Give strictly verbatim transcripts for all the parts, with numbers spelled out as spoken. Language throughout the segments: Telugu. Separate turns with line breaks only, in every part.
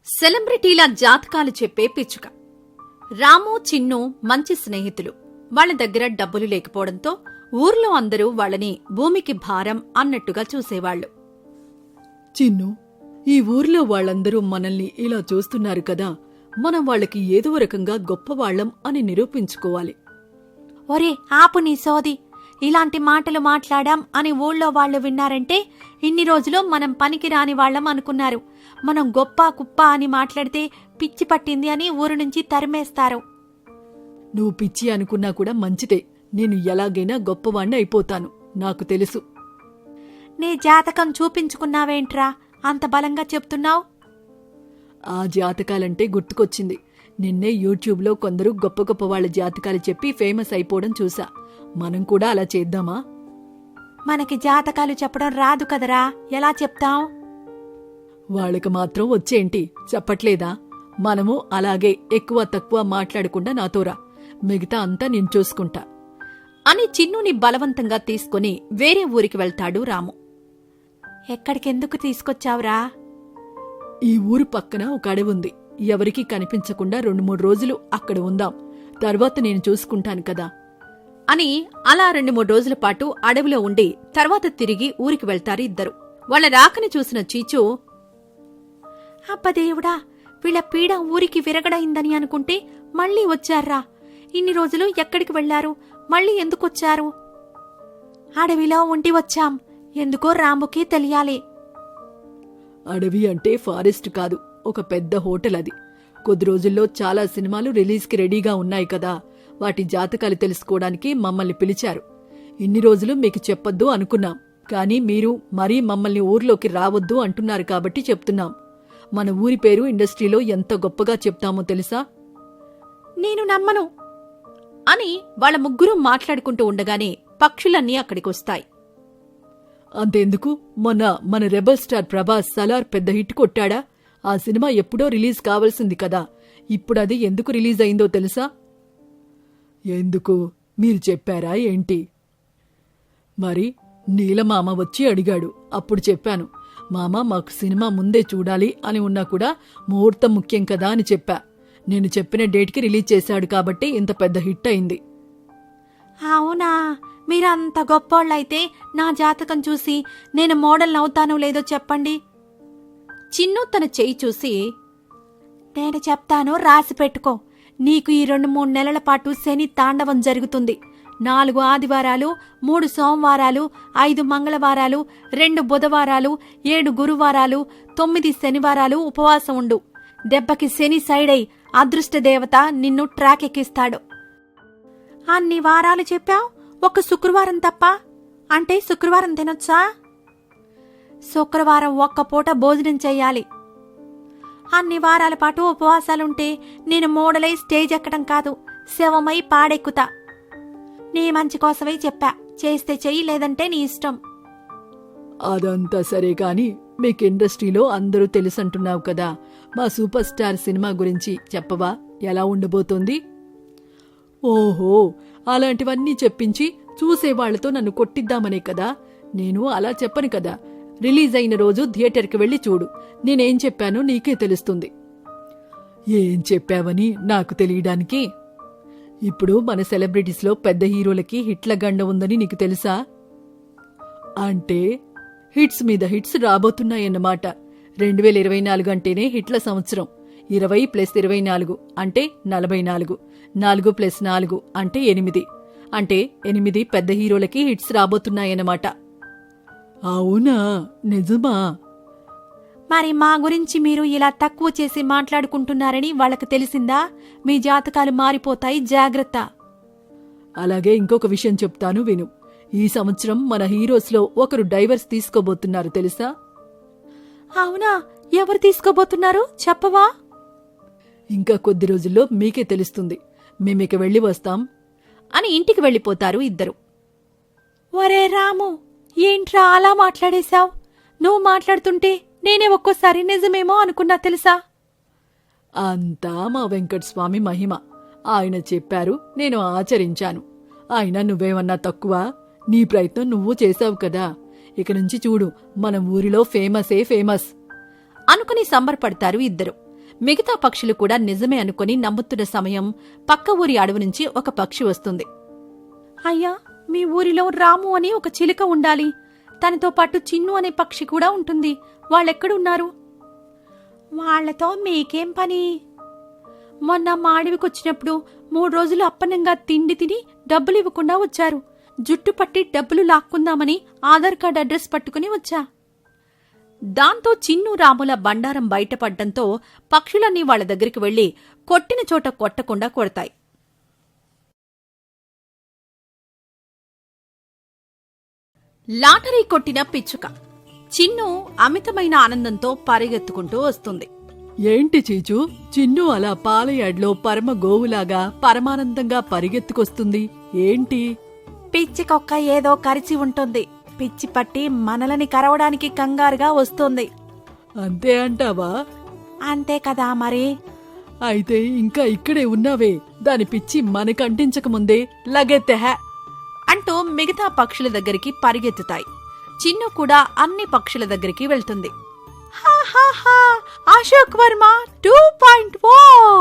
సెలబ్రిటీల జాతకాలు చెప్పే పిచ్చుక. రాము చిన్ను మంచి స్నేహితులు. వాళ్ల దగ్గర డబ్బులు లేకపోవడంతో ఊర్లో అందరూ వాళ్లని భూమికి భారం అన్నట్టుగా చూసేవాళ్లు.
చిన్ను, ఈ ఊర్లో వాళ్లందరూ మనల్ని ఇలా చూస్తున్నారు కదా, మనం వాళ్లకి ఏదో రకంగా గొప్పవాళ్లం అని నిరూపించుకోవాలి.
ఒరే ఆపు నీ సోది, ఇలాంటి మాటలు మాట్లాడాం అని ఊళ్ళో వాళ్లు విన్నారంటే ఇన్ని రోజులు మనం పనికి రాని వాళ్లం అనుకున్నారు. మనం గొప్ప కుప్ప అని మాట్లాడితే పిచ్చి పట్టింది అని ఊరు నుంచి తరిమేస్తారు.
నువ్వు పిచ్చి అనుకున్నా కూడా మంచిదే. నేను ఎలాగైనా గొప్పవాణ్ణి అయిపోతాను, నాకు తెలుసు.
నీ జాతకం చూపించుకున్నావేంట్రా అంత బలంగా చెప్తున్నావు?
ఆ జాతకాలంటే గుర్తుకొచ్చింది. నిన్నే యూట్యూబ్లో కొందరు గొప్ప గొప్ప వాళ్ల జాతకాలు చెప్పి ఫేమస్ అయిపోవడం చూసా. మనం కూడా అలా చేద్దామా?
మనకి జాతకాలు చెప్పడం రాదు కదరా, ఎలా చెప్తాం?
వాళ్ళకి మాత్రం వచ్చేంటి, చెప్పట్లేదా? మనము అలాగే ఎక్కువ తక్కువ మాట్లాడకుండా నాతోరా, మిగతా అంతా నేను చూసుకుంటా
అని చిన్నుని బలవంతంగా తీసుకుని వేరే ఊరికి వెళ్తాడు రాము.
ఎక్కడికెందుకు తీసుకొచ్చావురా?
ఈ ఊరు పక్కన ఒక అడవి ఉంది. ఎవరికీ కనిపించకుండా రెండు మూడు రోజులు అక్కడ ఉందాం, తర్వాత నేను చూసుకుంటాను కదా
అని అలా రెండు మూడు రోజుల పాటు అడవిలో ఉండి తర్వాత తిరిగి ఊరికి వెళ్తారు ఇద్దరు. వాళ్ల రాకని చూసిన చీచు,
అబ్బదేవుడా, వీళ్ళ పీడ ఊరికి విరగడైందని అనుకుంటే మళ్లీ వచ్చారా? ఇన్ని రోజులు ఎక్కడికి వెళ్లారు? మళ్లీ ఎందుకొచ్చారు? అడవిలో ఉండి వచ్చాం, ఎందుకో రాముకి తెలియాలి.
అడవి అంటే ఫారెస్ట్ కాదు, ఒక పెద్ద హోటల్ అది. కొద్ది రోజుల్లో చాలా సినిమాలు రిలీజ్కి రెడీగా ఉన్నాయి కదా, వాటి జాతకాలు తెలుసుకోవడానికి మమ్మల్ని పిలిచారు. ఇన్ని రోజులు మీకు చెప్పొద్దు అనుకున్నాం, కానీ మీరు మరీ మమ్మల్ని ఊర్లోకి రావద్దు అంటున్నారు కాబట్టి చెప్తున్నాం. మన ఊరి పేరు ఇండస్ట్రీలో ఎంత గొప్పగా చెప్తామో తెలుసా?
నేను నమ్మను
అని వాళ్ళ ముగ్గురు మాట్లాడుకుంటూ ఉండగానే పక్షులన్నీ అక్కడికొస్తాయి.
అంతెందుకు, మొన్న మన రెబల్ స్టార్ ప్రభాస్ సలార్ పెద్ద హిట్ కొట్టాడా? ఆ సినిమా ఎప్పుడో రిలీజ్ కావాల్సింది కదా, ఇప్పుడది ఎందుకు రిలీజ్ అయిందో తెలుసా? ఎందుకు, మీరు చెప్పారా ఏంటి? మరి నీలమామ వచ్చి అడిగాడు, అప్పుడు చెప్పాను. మామ, మాకు సినిమా ముందే చూడాలి అని ఉన్నా కూడా ముహూర్తం ముఖ్యం కదా అని చెప్పా. నేను చెప్పిన డేట్కి రిలీజ్ చేశాడు కాబట్టి ఇంత పెద్ద హిట్ అయింది.
అవునా? మీరంత గొప్పోళ్ళైతే నా జాతకం చూసి నేను మోడల్ అవుతానో లేదో చెప్పండి.
చిన్ను తన చెయ్యి చూసి,
నేను చెప్తాను, రాసి పెట్టుకో. నీకు ఈ రెండు మూడు నెలల పాటు శని తాండవం జరుగుతుంది. నాలుగు ఆదివారాలు, మూడు సోమవారాలు, ఐదు మంగళవారాలు, రెండు బుధవారాలు, ఏడు గురువారాలు, తొమ్మిది శనివారాలు ఉపవాసం ఉండు. దెబ్బకి శని సైడై అదృష్టదేవత నిన్ను ట్రాక్ ఎక్కిస్తాడు. అన్ని వారాలు చెప్పావు, ఒక శుక్రవారం తప్ప. అంటే శుక్రవారం తినొచ్చా? శుక్రవారం ఒక్క పూట భోజనం చెయ్యాలి. అన్ని వారాల పాటు ఉపవాసాలుంటే నేను మోడలై స్టేజ్ ఎక్కడం కాదు, శవమై పాడెక్కుతా. నీ మంచి కోసమే చెప్పా, చేస్తే చెయ్యి, లేదంటే నీ ఇష్టం.
అదంతా సరే కాని, మీకు ఇండస్ట్రీలో అందరూ తెలుసంటున్నావు కదా, మా సూపర్ స్టార్ సినిమా గురించి చెప్పవా? ఎలా ఉండబోతోంది? ఓహో, అలాంటివన్నీ చెప్పించి చూసేవాళ్లతో నన్ను కొట్టిద్దామనే కదా. నేను అలా చెప్పను కదా. రిలీజ్ అయిన రోజు థియేటర్కి వెళ్లి చూడు, నేనేం చెప్పానో నీకే తెలుస్తుంది. ఏం చెప్పావని నాకు తెలియడానికి? ఇప్పుడు మన సెలబ్రిటీస్లో పెద్ద హీరోలకి హిట్ల గండ ఉందని నీకు తెలుసా? అంటే హిట్స్ మీద హిట్స్ రాబోతున్నాయన్నమాట. రెండు వేల ఇరవై నాలుగు అంటేనే హిట్ల సంవత్సరం. ఇరవై ప్లస్ ఇరవై నాలుగు అంటే నలభై నాలుగు. నాలుగు ప్లస్ నాలుగు అంటే ఎనిమిది. అంటే ఎనిమిది పెద్ద హీరోలకి హిట్స్ రాబోతున్నాయన్నమాట. అవునా? నిజమా?
మరి మా గురించి మీరు ఇలా తక్కువ చేసి మాట్లాడుకుంటున్నారని వాళ్ళకి తెలిసిందా? మీ జాతకాలు మారిపోతాయి, జాగ్రత్త.
అలాగే ఇంకొక విషయం చెప్తాను విను. ఈ సంవత్సరం మన హీరోస్లో ఒకరు డైవర్స్ తీసుకోబోతున్నారు తెలుసా?
అవునా? ఎవరు తీసుకోబోతున్నారు, చెప్పవా?
ఇంకా కొద్ది రోజుల్లో మీకే తెలుస్తుంది. మేమిక వెళ్లి వస్తాం
అని ఇంటికి వెళ్లిపోతారు ఇద్దరు.
ఒరే రాము, ఏంట్రా అలా మాట్లాడేశావు? నువ్వు మాట్లాడుతుంటే నేనే ఒక్కోసారి నిజమేమో అనుకున్నా తెలుసా?
అంతా మా వెంకటస్వామి మహిమ. ఆయన చెప్పారు, నేను ఆచరించాను. ఆయన నువ్వేమన్నా తక్కువ? నీ ప్రయత్నం నువ్వు చేశావు కదా. ఇక నుంచి చూడు, మన ఊరిలో ఫేమసే ఫేమస్
అనుకుని సంబరపడతారు ఇద్దరు. మిగతా పక్షులు కూడా నిజమే అనుకుని నమ్ముతున్న సమయం పక్క ఊరి అడవి నుంచి ఒక పక్షి వస్తుంది.
అయ్యా, మీ ఊరిలో రాము అని ఒక చిలుక ఉండాలి. తనతో పాటు చిన్ను అనే పక్షి కూడా ఉంటుంది. వాళ్ళెక్కడున్నారు? వాళ్లతో మీకేం పని? మొన్న మా అడవికొచ్చినప్పుడు మూడు రోజులు అప్పనంగా తిండి తిని డబ్బులు ఇవ్వకుండా వచ్చారు. జుట్టు పట్టి డబ్బులు లాక్కుందామని ఆధార్ కార్డ్ అడ్రస్ పట్టుకుని వచ్చా.
దాంతో చిన్ను రాముల బండారం బయటపడ్డంతో పక్షులన్నీ వాళ్ల దగ్గరికి వెళ్లి కొట్టిన చోట కొట్టకుండా కొడతాయి. లాటరీ కొట్టిన పిచ్చుక. చిన్ను అమితమైన ఆనందంతో పరిగెత్తుకుంటూ వస్తుంది.
ఏంటి చీచు, చిన్ను అలా పాలయాడ్లో పరమ గోవులాగా పరమానందంగా పరిగెత్తుకొస్తుంది ఏంటి?
పిచ్చికొక్క ఏదో కరిచి ఉంటుంది. పిచ్చి పట్టి మనలని కరవడానికి కంగారుగా వస్తుంది.
అంతే అంటావా?
అంతే కదా మరి.
అయితే ఇంకా ఇక్కడే ఉన్నావే, దాని పిచ్చి మనకంటించకముందే లగెత్తెహ
అంటూ మిగతా పక్షుల దగ్గరికి పరిగెత్తుతాయి. చిన్ను కూడా అన్ని పక్షుల దగ్గరికి వెళ్తుంది.
Ashok Varma two point O.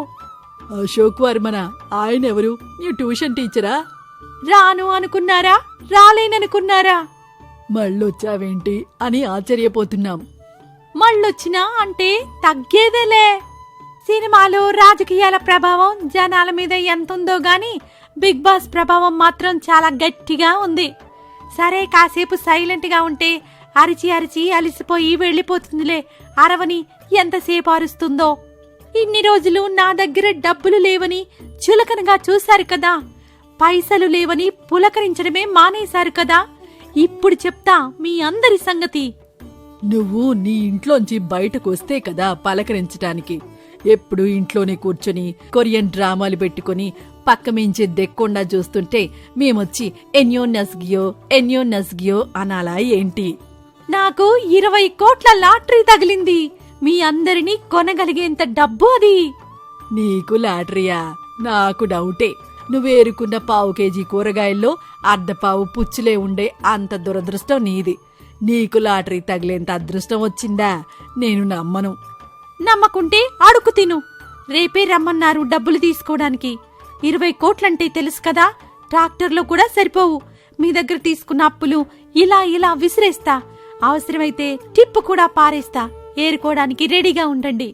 Ashok వర్మనా? ఆయనెవరు? నీ ట్యూషన్ టీచరా?
రాను అనుకున్నారా? రాలేననుకున్నారా?
మళ్ళొచ్చావేంటి అని ఆశ్చర్యపోతున్నాం.
మళ్ళొచ్చినా అంటే తగ్గేదేలే. సినిమాలు రాజకీయాల ప్రభావం జనాల మీద ఎంతుందో గాని బిగ్ బాస్ ప్రభావం మాత్రం చాలా గట్టిగా ఉంది. సరే, కాసేపు సైలెంట్ గా ఉంటే అరిచి అరిచి అలిసిపోయి వెళ్లిపోతుందిలే. అరవని ఎంతసేపు అరుస్తుందో. ఇన్ని రోజులు నా దగ్గర డబ్బులు లేవని చులకనగా చూశారు కదా. పైసలు లేవని పులకరించడమే మానేశారు కదా. ఇప్పుడు చెప్తా మీ అందరి సంగతి.
నువ్వు నీ ఇంట్లోంచి బయటకు వస్తే కదా పలకరించటానికి. ఎప్పుడు ఇంట్లోనే కూర్చొని కొరియన్ డ్రామాలు పెట్టుకుని పక్క మించి దెక్కుండా చూస్తుంటే మేమొచ్చి ఎన్యో నస్గియో ఎన్యో నస్గియో అనాలా ఏంటి?
నాకు ఇరవై కోట్ల లాటరీ తగిలింది. మీ అందరినీ కొనగలిగేంత డబ్బు అది.
నీకు లాటరీయా? నాకు డౌటే. నువ్వేరుకున్న పావు కేజీ కూరగాయల్లో అర్ధపావు పుచ్చులే ఉండే అంత దురదృష్టం నీది. నీకు లాటరీ తగిలేంత అదృష్టం వచ్చిందా? నేను నమ్మను.
నమ్మకుంటే అడుగు తిను. రేపే రమ్మన్నారు డబ్బులు తీసుకోవడానికి. ఇరవై కోట్లంటే తెలుసు కదా, ట్రాక్టర్లో కూడా సరిపోవు. మీ దగ్గర తీసుకున్న అప్పులు ఇలా ఇలా విసిరేస్తా. అవసరమైతే టిప్పు కూడా పారేస్తా. ఏరుకోవడానికి రెడీగా ఉండండి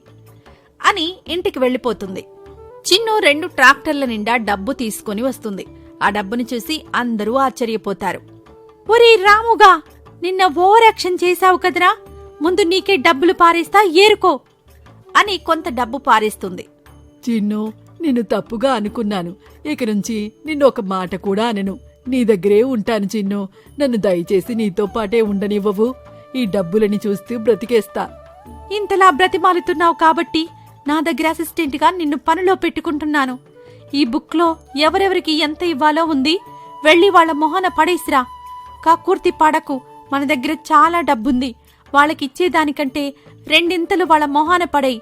అని ఇంటికి వెళ్లిపోతుంది. చిన్ను రెండు ట్రాక్టర్ల నిండా డబ్బు తీసుకుని వస్తుంది. ఆ డబ్బుని చూసి అందరూ ఆశ్చర్యపోతారు.
ఒరే రాముగా, నిన్న ఓవర్ యాక్షన్ చేశావు కదరా. ముందు నీకే డబ్బులు పారేస్తా, ఏరుకో
అని కొంత డబ్బు పారేస్తుంది.
చిన్ను, నిన్ను తప్పుగా అనుకున్నాను. ఇక నుంచి నిన్ను ఒక మాట కూడా అనను. నీ దగ్గరే ఉంటాను చిన్ను. నన్ను దయచేసి నీతో పాటే ఉండనివ్వవు. ఈ డబ్బులని చూస్తూ బ్రతికేస్తా.
ఇంతలా బ్రతిమాలుతున్నావు కాబట్టి నా దగ్గర అసిస్టెంట్ గా నిన్ను పనిలో పెట్టుకుంటున్నాను. ఈ బుక్ లో ఎవరెవరికి ఎంత ఇవ్వాలో ఉంది. వెళ్లి వాళ్ల మొహన పడేసిరా. కాకూర్తి పడకు. మన దగ్గర చాలా డబ్బుంది. వాళ్ళకిచ్చేదానికంటే రెండింతలు వాళ్ళ మొహాన పడేయి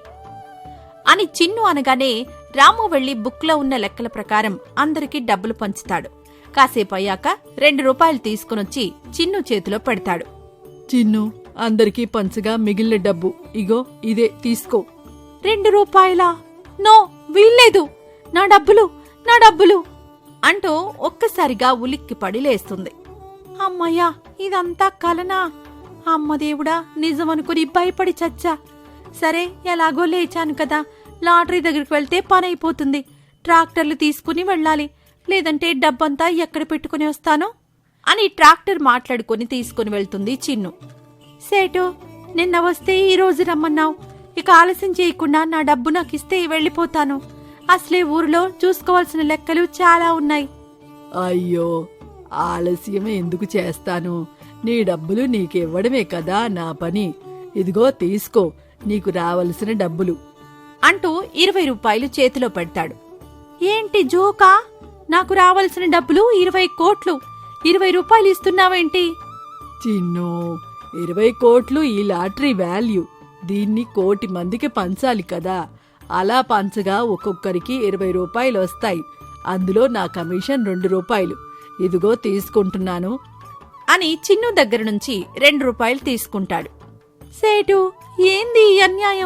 అని చిన్ను అనగానే రాము వెళ్లి బుక్లో ఉన్న లెక్కల ప్రకారం అందరికీ డబ్బులు పంచుతాడు. కాసేపు అయ్యాక రెండు రూపాయలు తీసుకునొచ్చి చిన్ను చేతిలో పెడతాడు.
చిన్ను, అందరికీ పంచగా మిగిలిన డబ్బు ఇగో ఇదే తీసుకో.
రెండు రూపాయలా? నో, వీల్లేదు. నా డబ్బులు, నా డబ్బులు
అంటూ ఒక్కసారిగా ఉలిక్కిపడి లేస్తుంది.
అమ్మయ్యా, ఇదంతా కలనా? అమ్మదేవుడా, నిజమనుకుని భయపడి చచ్చా. సరే, ఎలాగో లేచాను కదా. లాటరీ దగ్గరికి వెళ్తే పని అయిపోతుంది. ట్రాక్టర్లు తీసుకుని వెళ్ళాలి. లేదంటే డబ్బంతా ఎక్కడ పెట్టుకుని వస్తాను
అని ట్రాక్టర్ మాట్లాడుకుని తీసుకుని వెళ్తుంది చిన్ను.
సేటు, నిన్న వస్తే ఈ రోజు రమ్మన్నావు. ఇక ఆలస్యం చేయకుండా నా డబ్బు నాకిస్తే వెళ్ళిపోతాను. అసలే ఊరిలో చూసుకోవాల్సిన లెక్కలు చాలా ఉన్నాయి.
అయ్యో, ఆలస్యం ఎందుకు చేస్తాను? నీ డబ్బులు నీకివ్వడమే కదా నా పని. ఇదిగో తీసుకో, నీకు రావలసిన డబ్బులు
అంటూ ఇరవై రూపాయలు చేతిలో పెడతాడు.
ఏంటి జోకా? నాకు రావలసిన డబ్బులు ఇరవై కోట్లు. ఇరవై రూపాయలు ఇస్తున్నావేంటి?
చిన్ను, ఇరవై కోట్లు ఈ లాటరీ వాల్యూ. దీన్ని కోటి మందికి పంచాలి కదా. అలా పంచగా ఒక్కొక్కరికి ఇరవై రూపాయలు వస్తాయి. అందులో నా కమిషన్ రెండు రూపాయలు. ఇదిగో తీసుకుంటున్నాను
అని చిన్ను దగ్గర నుంచి రెండు రూపాయలు తీసుకుంటాడు.
సేటు, ఏంది ఈ అన్యాయం?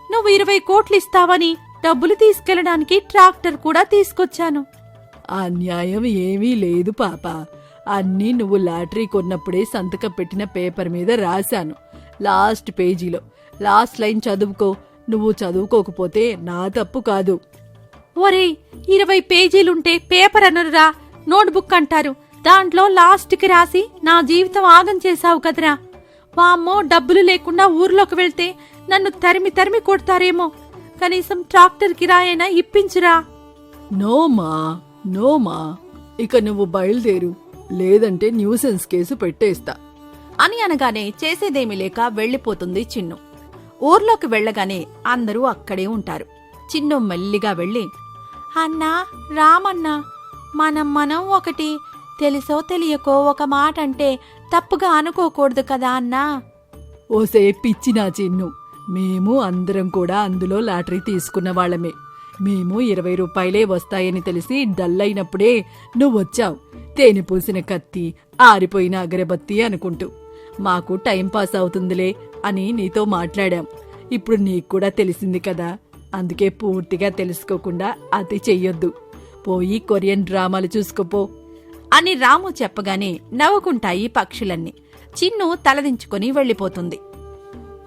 నువ్వు ఇరవై కోట్లు ఇస్తావని డబ్బులు తీసుకెళ్లడానికి ట్రాక్టర్ కూడా తీసుకొచ్చాను.
అన్యాయం ఏమీ లేదు పాప. అన్నీ నువ్వు లాటరీ కొన్నప్పుడే సంతకం పెట్టిన పేపర్ మీద రాశాను. లాస్ట్ పేజీలో లాస్ట్ లైన్ చదువుకో. నువ్వు చదువుకోకపోతే నా తప్పు కాదు.
ఒరేయ్, ఇరవై పేజీలుంటే పేపర్ అనరురా, నోట్బుక్ అంటారు. దాంట్లో లాస్ట్కి రాసి నా జీవితం ఆగం చేశావు కదరా. వామ్మో, డబ్బులు లేకుండా ఊర్లోకి వెళ్తే నన్ను తరిమి తరిమి కొడతారేమో. కనీసం ట్రాక్టర్ కిరాయైనా ఇప్పించురా.
నోమా నోమా ఇక నువ్వు బయలుదేరు, లేదంటే న్యూసెన్స్ కేసు పెట్టేస్తా
అని అనగానే చేసేదేమీ లేక వెళ్లిపోతుంది చిన్ను. ఊర్లోకి వెళ్లగానే అందరూ అక్కడే ఉంటారు. చిన్ను మెల్లిగా వెళ్లి,
అన్నా, రామన్నా, మనం మనం ఒకటి తెలుసో తెలియకో ఒక మాట అంటే తప్పుగా అనుకోకూడదు కదా అన్నా.
ఓసే పిచ్చినా చిన్ను, మేము అందరం కూడా అందులో లాటరీ తీసుకున్న వాళ్ళమే. మేము ఇరవై రూపాయలే వస్తాయని తెలిసి డల్లైనప్పుడే నువ్వొచ్చావు. తేనె పూసిన కత్తి, ఆరిపోయిన అగరబత్తి అనుకుంటూ. మాకు టైంపాస్ అవుతుందిలే అని నీతో మాట్లాడాం. ఇప్పుడు నీకు కూడా తెలిసింది కదా, అందుకే పూర్తిగా తెలుసుకోకుండా అతి చెయ్యొద్దు. పోయి కొరియన్ డ్రామాలు చూసుకోపో
అని రాము చెప్పగానే నవ్వుకుంటాయి పక్షులన్నీ. చిన్ను తలదించుకుని వెళ్లిపోతుంది.